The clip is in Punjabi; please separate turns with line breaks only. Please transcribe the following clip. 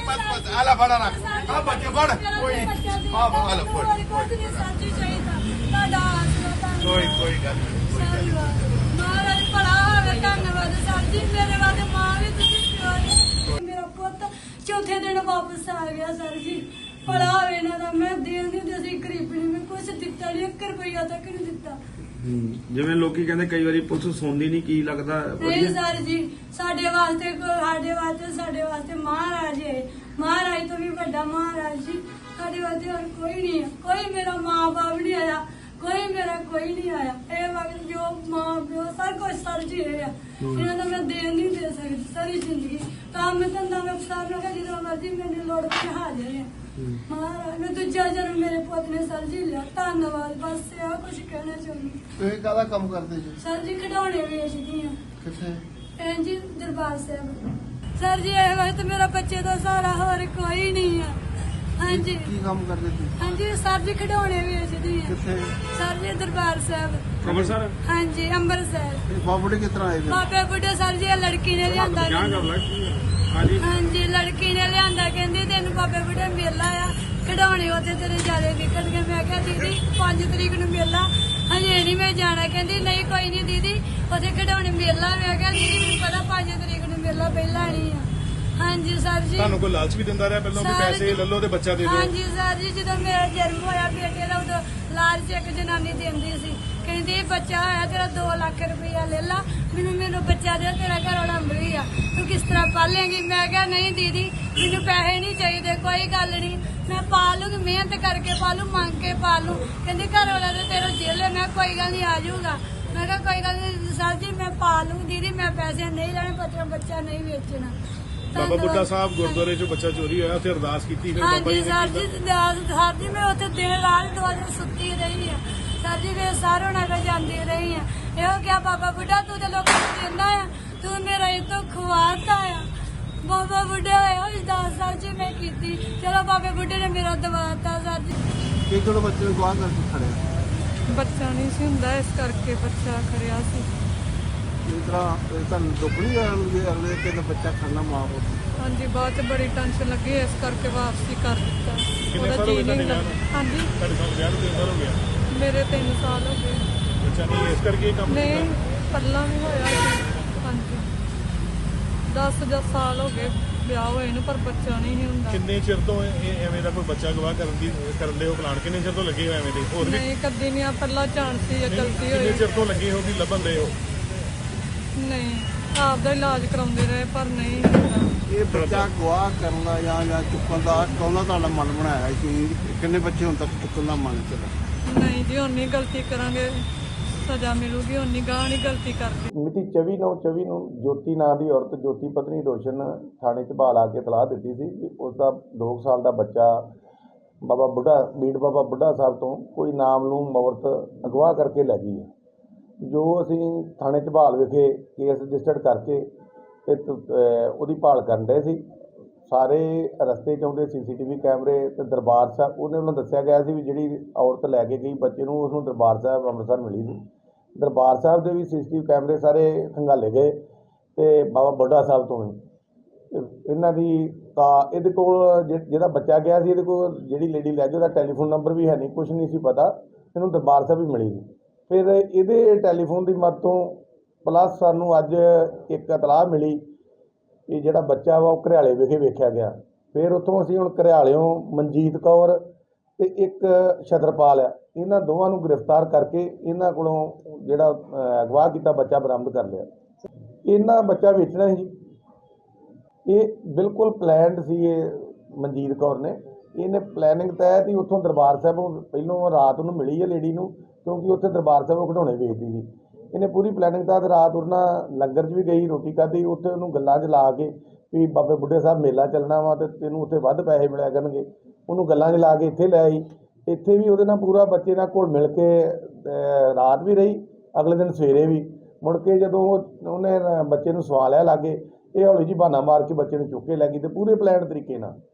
बस आला फड़ा ना आ बच्चे फड़ कोई हां आला फड़ कोई गल
महाराज भला होवे धन्नवाद सर जी मेरे वाले मां भी तुसी मेरा पुੱਤ चौथे दिन वापस आ गया सर जी भला होवे ना दा मैं देन नहीं दसी गरीबनी में कुछ दिता नहीं 1 रुपया तक नहीं दिता
ਜਿਵੇਂ ਲੋਕੀ ਕਹਿੰਦੇ ਕਈ ਵਾਰੀ ਪੁਲਿਸ ਸੁਣਦੀ ਨਹੀਂ ਕੀ ਲੱਗਦਾ
नहीं सर जी ਸਾਡੇ ਵਾਸਤੇ ਮਹਾਰਾਜ ਹੈ ਮਹਾਰਾਜ ਤੋਂ ਵੀ ਵੱਡਾ ਮਹਾਰਾਜ ਜੀ ਸਾਡੇ ਵਾਸਤੇ ਹੋਰ ਕੋਈ ਨਹੀਂ ਹੈ ਕੋਈ ਮੇਰਾ ਮਾਂ ਬਾਪ ਨਹੀਂ ਆਇਆ ਕੋਈ ਮੇਰਾ ਕੋਈ ਨਹੀਂ ਆਇਆ ਇਹ ਵਕਤ ਜੋ ਮਾਂ ਪਿਓ ਸਰ ਕੁਛ ਸਰ ਜੀ ਹੈ ਇਹਨਾਂ ਦਾ ਮੈਂ ਦੇਣ ਨਹੀਂ ਦੇ ਸਕਦੀ ਸਾਰੀ ਜ਼ਿੰਦਗੀ ਕੰਮ ਧੰਦਾ ਮੈਂ ਅਫਸਰ ਨੂੰ ਕਹਿੰਦੀ ਜਦੋਂ ਮਰਜ਼ੀ ਮੈਨੂੰ ਲੋੜ ਪਈ ਹਾਜ਼ਰ ਹੈ ਮਹਾਰਾਜ ਨੇ ਦੂਜਾ ਜਨਮ ਮੇਰੇ ਪੁੱਤ ਨੇ ਸਰ ਜੀ ਲਿਆ ਧੰਨਵਾਦ ਬਸ ਇਹ ਕੁਝ ਕਹਿਣਾ ਚਾਹੁੰਦੀ
ਤੁਸੀਂ ਕਾਹਦਾ ਕੰਮ ਕਰਦੇ ਜੀ
ਸਰ ਜੀ ਖਿਡੌਣੇ ਵੇਚਦੀ ਆ
ਕਿੱਥੇ
ਜੀ ਦਰਬਾਰ ਸਾਹਿਬ ਸਰ ਜੀ ਇਹ ਵਕਤ ਮੇਰਾ ਬੱਚੇ ਦਾ ਸਹਾਰਾ ਹੋਰ ਕੋਈ ਨਹੀਂ ਆ ਹਾਂਜੀ
ਕੀ ਕੰਮ ਕਰਦੇ ਤੁਸੀਂ
ਹਾਂਜੀ ਸਰ ਜੀ ਖਿਡੌਣੇ ਵੇਚਦੀ ਆ
ਕਿੱਥੇ
ਸਰ ਜੀ ਦਰਬਾਰ ਸਾਹਿਬ
ਅੰਮ੍ਰਿਤਸਰ
ਹਾਂਜੀ ਅੰਮ੍ਰਿਤਸਰ
ਇਹ ਬਾਬੂੜੇ ਕਿਸ ਤਰ੍ਹਾਂ ਆਏ ਜੀ
ਬਾਬੇ ਬੁੱਢੇ ਸਰ ਜੀ ਇਹ ਲੜਕੀ ਨੇ ਲਿਆਂਦਾ
ਹਾਂਜੀ
ਹਾਂਜੀ ਲੜਕੀ ਨੇ ਲਿਆਂਦਾ ਕਹਿੰਦੀ ਤੈਨੂੰ ਬਾਬੇ ਬੁੱਢੇ ਮੇਲਾ ਆ ਖਿਡੌਣੇ ਉੱਥੇ ਤੇਰੇ ਜਿਆਦੇ ਵਿਕਣਗੇ ਮੈਂ ਕਿਹਾ ਦੀਦੀ 5 ਤਰੀਕ ਨੂੰ ਮੇਲਾ ਹਜੇ ਨਹੀਂ ਮੈਂ ਜਾਣਾ ਕਹਿੰਦੀ ਨਹੀਂ ਕੋਈ ਨਹੀਂ ਦੀਦੀ ਉੱਥੇ ਖਿਡੌਣੇ ਮੇਲਾ ਮੈਂ ਕਿਹਾ ਦੀਦੀ ਮੈਨੂੰ ਪਤਾ 5 ਤਰੀਕ ਨੂੰ ਮੇਲਾ ਪਹਿਲਾਂ ਨਹੀਂ ਆ ਹਾਂਜੀ ਸਰ ਜੀ
ਤੁਹਾਨੂੰ ਕੋਈ ਲਾਲਚ ਵੀ ਦਿੰਦਾ ਰਿਹਾ ਪਹਿਲਾਂ ਵੀ ਪੈਸੇ ਲੈ ਲਓ ਤੇ ਬੱਚਾ ਦੇ ਦਿਓ
ਹਾਂਜੀ ਸਰ ਜੀ ਜਦੋਂ ਮੇਰਾ ਜਨਮ ਹੋਇਆ ਬੇਟੇ ਦਾ ਉਦੋਂ ਲਾਲਚ ਇੱਕ ਜਨਾਨੀ ਦਿੰਦੀ ਸੀ ਕਹਿੰਦੀ ਬੱਚਾ ਹੋਇਆ ਤੇਰਾ 2 ਲੱਖ ਰੁਪਇਆ ਲੈ ਲਾ ਮੈਨੂੰ ਬੱਚਾ ਦੇ ਤੇਰਾ ਘਰ ਵਾਲਾ ਅੰਬਰੀ ਆ ਤੂੰ ਕਿਸ ਤਰ੍ਹਾਂ ਪਾਲੇਂਗੀ ਮੈਂ ਕਿਹਾ ਨਹੀਂ ਦੀਦੀ ਮੈਨੂੰ ਪੈਸੇ ਨਹੀਂ ਚਾਹੀਦੇ ਕੋਈ ਗੱਲ ਨਹੀਂ ਮੈਂ ਪਾਲੂਗੀ ਮਿਹਨਤ ਕਰਕੇ ਪਾਲੂ ਮੰਗ ਕੇ ਪਾਲੂ ਕਹਿੰਦੀ ਘਰ ਵਾਲਾ ਤੇ ਤੇਰਾ ਜੇਲੇ ਮੈਂ ਕੋਈ ਗੱਲ ਨਹੀਂ ਆ ਜਾਊਗਾ ਮੈਂ ਕਿਹਾ ਕੋਈ ਗੱਲ ਨਹੀਂ ਸਰ ਜੀ ਮੈਂ ਪਾਲੂ ਦੀਦੀ ਮੈਂ ਪੈਸੇ ਨਹੀਂ ਲੈਣੇ ਬੱਚਾ ਨਹੀਂ ਵੇਚਣਾ
ਬਾਬਾ ਬੁੱਢਾ ਸਾਹਿਬ ਗੁਰਦੁਆਰੇ ਚੋਂ ਬੱਚਾ ਚੋਰੀ ਹੋਇਆ ਉੱਥੇ ਅਰਦਾਸ ਕੀਤੀ ਫਿਰ ਬਾਬਾ ਜੀ
ਹਾਂਜੀ
ਨੇ
ਸਰ ਜੀ ਮੈਂ ਉੱਥੇ ਦਿਨ ਰਾਤ 2 ਦਿਨ ਸੁੱਤੀ ਰਹੀ ਆ ਸਰ ਜੀ ਮੈਂ ਸਾਰੋਂ ਨਾਲ ਜਾਂਦੀ ਰਹੀ ਆ ਇਹੋ ਕਿਹਾ ਬਾਬਾ ਬੁੱਢਾ ਤੂੰ ਤੇ ਲੋਕਾਂ ਨੂੰ ਦਿੰਦਾ ਆ ਤੂੰ ਮੇਰਾ ਇਹ ਤੋਂ ਖਵਾਤਾ ਆ ਬਾਬਾ ਬੁੱਢੇ ਹੋਇਆ ਇਸ 10 ਸਾਲ ਜੀ ਮੈਂ ਕੀਤੀ ਚਲੋ ਬਾਬੇ ਬੁੱਢੇ ਨੇ ਮੇਰਾ ਦਵਾਤਾ ਸਰ ਜੀ
ਕਿ ਕਿਹੜੇ ਬੱਚੇ ਨੂੰ ਗਵਾਹ ਕਰਕੇ ਖੜਿਆ
ਬੱਚਾ ਨਹੀਂ ਸੀ ਹੁੰਦਾ ਇਸ ਕਰਕੇ ਬੱਚਾ ਖੜਿਆ ਸੀ
ਇਸ ਤਰ੍ਹਾਂ ਤੁਹਾਨੂੰ ਦੁੱਖ ਨਹੀਂ ਹੋਇਆ ਅਗਲੇ ਕਿ ਬੱਚਾ ਖੜਨਾ ਮਾਂ ਕੋਲ
ਹਾਂਜੀ ਬਾਅਦ ਚ ਬੜੀ ਟੈਨਸ਼ਨ ਲੱਗੀ ਇਸ ਕਰਕੇ ਵਾਪਸੀ ਕਰ ਦਿੱਤਾ
ਕਿੰਨੇ
ਉਹਦਾ
ਸਾਲ ਹੋ
ਜੀ
ਗਏ
ਨਹੀਂ
ਤੁਹਾਡੇ
ਲੱਗਾ ਹਾਂਜੀ
ਤੁਹਾਡੇ ਨਾਲ ਵਿਆਹ ਨੂੰ 3 ਸਾਲ ਹੋ ਗਿਆ
ਮੇਰੇ 3 ਸਾਲ ਹੋ ਗਏ
ਬੱਚਾ ਨਹੀਂ ਇਸ ਕਰਕੇ ਇਹ ਕੰਮ
ਨਹੀਂ
ਕੀਤਾ
ਪਹਿਲਾਂ ਵੀ ਹੋਇਆ ਸੀ ਹਾਂਜੀ 10 ਸਾਲ ਹੋ ਗਏ ਵਿਆਹ ਹੋਏ ਨੂੰ ਪਰ ਬੱਚਾ ਨਹੀਂ ਸੀ ਹੁੰਦਾ
ਕਿੰਨੇ ਚਿਰ ਤੋਂ ਇਹ ਐਵੇਂ ਦਾ ਕੋਈ ਬੱਚਾ ਗਵਾਹ ਕਰਨ ਦੇ ਉਹ ਪਲਾਨ ਕਿੰਨੇ ਚਿਰ ਤੋਂ ਲੱਗੇ ਹੋਏ ਐਵੇਂ ਦੇ ਹੋਰ ਵੀ
ਨਹੀਂ ਕਦੀ ਨਹੀਂ ਆ ਪਹਿਲਾਂ ਜਾਣ ਸੀ ਜਾਂ ਗਲਤੀ
ਕਿੰਨੇ
ਹੋਈ
ਚਿਰ ਤੋਂ ਲੱਗੇ ਹੋ ਵੀ ਲੱਭਣ ਦੇ ਹੋ
ਨਹੀਂ ਆਪਦਾ ਇਲਾਜ ਕਰਾਉਂਦੇ ਰਹੇ ਪਰ ਨਹੀਂ ਹੁੰਦਾ
ਇਹ ਬੱਚਾ ਗਵਾਹ ਕਰਨ ਦਾ ਜਾਂ ਚੁੱਕਣ ਦਾ ਕੌਣਾ ਤੁਹਾਡਾ ਮਨ ਬਣਾਇਆ ਕਿ ਕਿੰਨੇ ਬੱਚੇ ਹੁਣ ਤੱਕ ਚੁੱਕਣ ਦਾ ਮਨ ਚੱਲਾ
ਨਹੀਂ ਜੀ ਉਨੀ ਗਲਤੀ ਕਰਾਂਗੇ ਸਜ਼ਾ ਮਿਲੂਗੀ ਉਨੀ ਗਾਹ ਨਹੀਂ ਗਲਤੀ ਕਰਦੀ
ਮਿਤੀ 24/9/24 ਨੂੰ ਜੋਤੀ ਨਾਂ ਦੀ ਔਰਤ ਜੋਤੀ ਪਤਨੀ ਰੋਸ਼ਨ ਥਾਣੇ 'ਚ ਬਹਾਲ ਆ ਕੇ ਇਤਲਾਹ ਦਿੱਤੀ ਸੀ ਕਿ ਉਸ ਦਾ 2 ਸਾਲ ਦਾ ਬੱਚਾ ਬਾਬਾ ਬੁੱਢਾ ਸਾਹਿਬ ਤੋਂ ਕੋਈ ਨਾਮਲੂਮ ਔਰਤ ਅਗਵਾ ਕਰਕੇ ਲੈ ਗਈ ਹੈ ਜੋ ਅਸੀਂ ਥਾਣੇ 'ਚ ਬਹਾਲ ਵਿਖੇ ਕੇਸ ਰਜਿਸਟਰਡ ਕਰਕੇ ਤੇ ਉਹਦੀ ਭਾਲ ਕਰਨ ਰਹੇ ਸੀ ਸਾਰੇ ਰਸਤੇ 'ਚ ਆਉਂਦੇ CCTV ਕੈਮਰੇ ਤੇ ਦਰਬਾਰ ਸਾਹਿਬ ਉਹਦੇ ਵੱਲੋਂ ਦੱਸਿਆ ਗਿਆ ਸੀ ਵੀ ਜਿਹੜੀ ਔਰਤ ਲੈ ਕੇ ਗਈ ਬੱਚੇ ਨੂੰ ਉਸਨੂੰ ਦਰਬਾਰ ਸਾਹਿਬ ਅੰਮ੍ਰਿਤਸਰ ਮਿਲੀ ਸੀ ਦਰਬਾਰ ਸਾਹਿਬ ਦੇ ਵੀ CCTV ਕੈਮਰੇ ਸਾਰੇ ਖੰਗਾਲੇ ਗਏ ਤੇ ਬਾਬਾ ਬੁੱਢਾ ਸਾਹਿਬ ਤੋਂ ਵੀ ਇਹਨਾਂ ਦੀ ਤਾਂ ਇਹਦੇ ਕੋਲ ਜਿਹੜਾ ਬੱਚਾ ਗਿਆ ਸੀ ਇਹਦੇ ਕੋਲ ਜਿਹੜੀ ਲੇਡੀ ਲੈ ਗਈ ਉਹਦਾ ਟੈਲੀਫੋਨ ਨੰਬਰ ਵੀ ਹੈ ਨਹੀਂ ਕੁਛ ਨਹੀਂ ਸੀ ਪਤਾ ਇਹਨੂੰ ਦਰਬਾਰ ਸਾਹਿਬ ਵੀ ਮਿਲੀ ਸੀ ਫਿਰ ਇਹਦੇ ਟੈਲੀਫੋਨ ਦੀ ਮਦਦ ਤੋਂ ਪਲੱਸ ਸਾਨੂੰ ਅੱਜ ਇੱਕ ਇਤਲਾਹ ਮਿਲੀ ਕਿ ਜਿਹੜਾ ਬੱਚਾ ਵਾ ਉਹ ਘਰਿਆਲੇ ਵਿਖੇ ਵੇਖਿਆ ਗਿਆ ਫਿਰ ਉੱਥੋਂ ਅਸੀਂ ਹੁਣ ਘਰਿਆਲਿਓਂ ਮਨਜੀਤ ਕੌਰ ਤੇ ਇੱਕ ਛਤਰਪਾਲ ਆ ਇਹਨਾਂ ਦੋਵਾਂ ਨੂੰ ਗ੍ਰਿਫਤਾਰ ਕਰਕੇ ਇਹਨਾਂ ਕੋਲੋਂ ਜਿਹੜਾ ਅਗਵਾ ਕੀਤਾ ਬੱਚਾ ਬਰਾਮਦ ਕਰ ਲਿਆ ਇਹਨਾਂ ਬੱਚਾ ਵੇਚਣਾ ਸੀ ਇਹ ਬਿਲਕੁਲ ਪਲਾਨਡ ਸੀ ਇਹ ਮਨਜੀਤ ਕੌਰ ਨੇ ਇਹਨੇ ਪਲੈਨਿੰਗ ਤਹਿਤ ਹੀ ਉੱਥੋਂ ਦਰਬਾਰ ਸਾਹਿਬੋਂ ਪਹਿਲੋਂ ਰਾਤ ਨੂੰ ਮਿਲੀ ਹੈ ਲੇਡੀ ਨੂੰ ਕਿਉਂਕਿ ਉੱਥੇ ਦਰਬਾਰ ਸਾਹਿਬੋਂ ਖਿਡੌਣੇ ਵੇਚਦੀ ਸੀ ਇਹਨੇ ਪੂਰੀ ਪਲੈਨਿੰਗ ਤਹਿਤ ਰਾਤ ਉਹਨਾਂ ਲੰਗਰ 'ਚ ਵੀ ਗਈ ਰੋਟੀ ਖਾਧੀ ਉੱਥੇ ਉਹਨੂੰ ਗੱਲਾਂ 'ਚ ਲਾ ਕੇ ਵੀ ਬਾਬੇ ਬੁੱਢੇ ਸਾਹਿਬ ਮੇਲਾ ਚੱਲਣਾ ਵਾ ਤੇ ਤੈਨੂੰ ਉੱਥੇ ਵੱਧ ਪੈਸੇ ਮਿਲਿਆ ਕਰਨਗੇ ਉਹਨੂੰ ਗੱਲਾਂ 'ਚ ਲਾ ਕੇ ਇੱਥੇ ਲੈ ਆਈ ਇੱਥੇ ਵੀ ਉਹਦੇ ਨਾਲ ਪੂਰਾ ਬੱਚੇ ਨਾਲ ਘੁਲ ਮਿਲ ਕੇ ਰਾਤ ਵੀ ਰਹੀ ਅਗਲੇ ਦਿਨ ਸਵੇਰੇ ਵੀ ਮੁੜ ਕੇ ਜਦੋਂ ਉਹਨੇ ਬੱਚੇ ਨੂੰ ਸਵਾ ਲਿਆ ਲਾਗੇ ਇਹ ਹੌਲੀ ਜਿਹੀ ਬਹਾਨਾ ਮਾਰ ਕੇ ਬੱਚੇ ਨੂੰ ਚੁੱਕ ਕੇ ਲੈ ਗਈ ਤੇ ਪੂਰੇ ਪਲਾਨ ਤਰੀਕੇ ਨਾਲ